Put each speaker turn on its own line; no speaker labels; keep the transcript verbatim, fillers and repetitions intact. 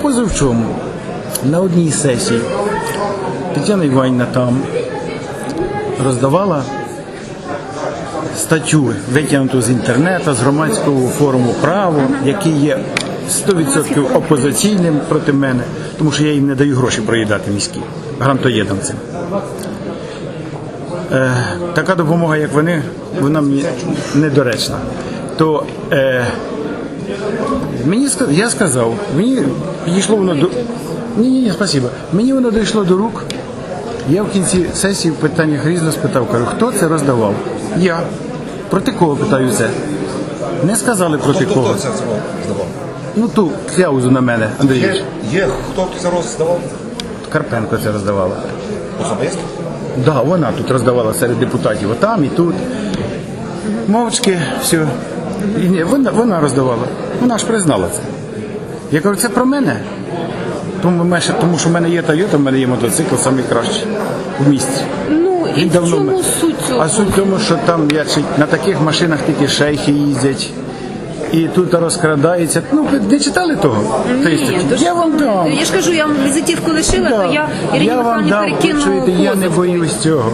позавчому на одній сесії Тетяна Іванівна там роздавала статтю, витягнуту з інтернету, з громадського форуму «Право», який є сто відсотків опозиційним проти мене, тому що я їм не даю гроші проїдати міські, грантоєдамцям. Е, така допомога, як вони, вона мені недоречна. То е, мені, я сказав, мені підійшло воно до... Ні, ні, ні, спасибо. Мені воно дійшло до рук. Я в кінці сесії в питаннях різно спитав, кажу, хто це роздавав? Я. Проти кого, питаю це? Не сказали проти кого.
Хто це роздавав?
Ну ту кляузу на мене, Андрійович.
Є, є хто це роздавав?
Карпенко це роздавала.
Особисто?
Так, да, вона тут роздавала серед депутатів, отам і тут. Мовчки, все. І ні, вона, вона роздавала. Вона ж признала це. Я кажу, це про мене. Тому, тому що в мене є Тойота, в мене є мотоцикл, найкращий в місті.
Ну, і
Він
в
давно
чому
м-
суть цього?
А суть в тому, що там я, чи- на таких машинах тільки шейхи їздять. І тут розкрадається. Ну, ви не читали того?
Ні, то ж-
Я вам дам.
Я ж кажу, я вам візитівку лишила,
Да.
то я Ірині
Я вам
Михайлівні
дам,
перекину
чуєте, я не
позов.
боюсь цього.